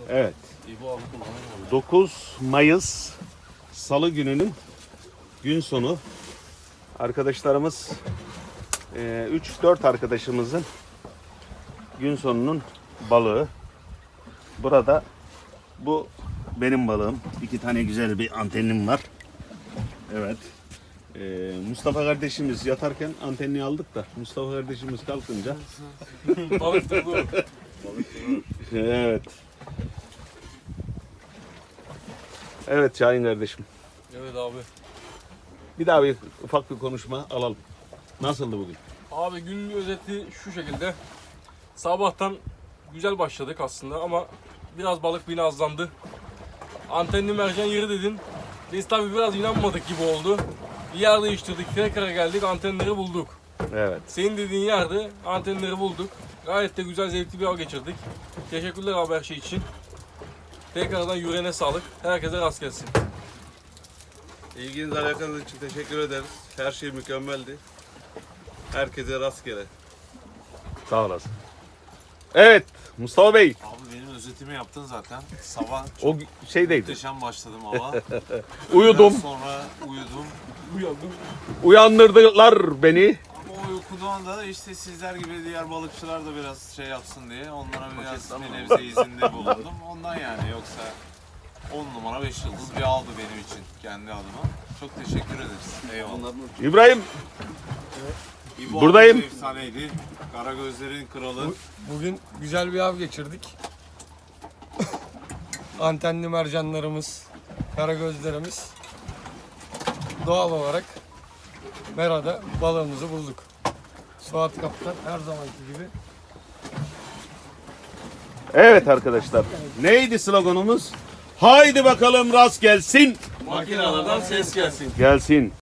Evet. 9 Mayıs Salı gününün gün sonu. Arkadaşlarımız 3-4 arkadaşımızın gün sonunun balığı. Burada bu benim balığım. 2 tane güzel bir antenim var. Evet. Mustafa kardeşimiz yatarken antenini aldık da Mustafa kardeşimiz kalkınca Balık tuttu. evet. Evet Şahin kardeşim. Evet abi. Bir daha bir ufak bir konuşma alalım. Nasıldı bugün? Abi günün özeti şu şekilde. Sabahtan güzel başladık aslında ama biraz balık beni azlandı. Antenli mercan yeri dedin. Biz tabii biraz inanmadık gibi oldu. Bir yer değiştirdik, tekrar geldik, antenleri bulduk. Evet. Senin dediğin yerde antenleri bulduk. Gayet de güzel, zevkli bir av geçirdik. Teşekkürler abi her şey için. Tekrardan yüreğine sağlık. Herkese rast gelsin. İlginiz alakanız için teşekkür ederiz. Her şey mükemmeldi. Herkese rastgele. Sağ olasın. Evet Mustafa Bey. Abi benim özetimi yaptın zaten. Sabah çok O şeydeydi. muhteşem başladım hava. Uyudum. Biraz sonra uyudum. Uyandırdılar beni. Ama o uykudan da işte sizler gibi diğer balıkçılar da biraz şey yapsın diye onlara biraz bir nebze izinde bulundum. Ondan yani yoksa 10 numara 5 yıldız bir aldı benim için kendi adıma. Çok teşekkür ederiz. Eyvallah. İbrahim. İbo Buradayım. abi efsaneydi. Karagözlerin kralı. Bugün güzel bir av geçirdik. Antenli mercanlarımız, karagözlerimiz doğal olarak Mera'da balığımızı bulduk. Suat Kaptan her zamanki gibi. Evet arkadaşlar. Neydi sloganımız? Haydi bakalım rast gelsin. Makinelerden ses gelsin. Gelsin.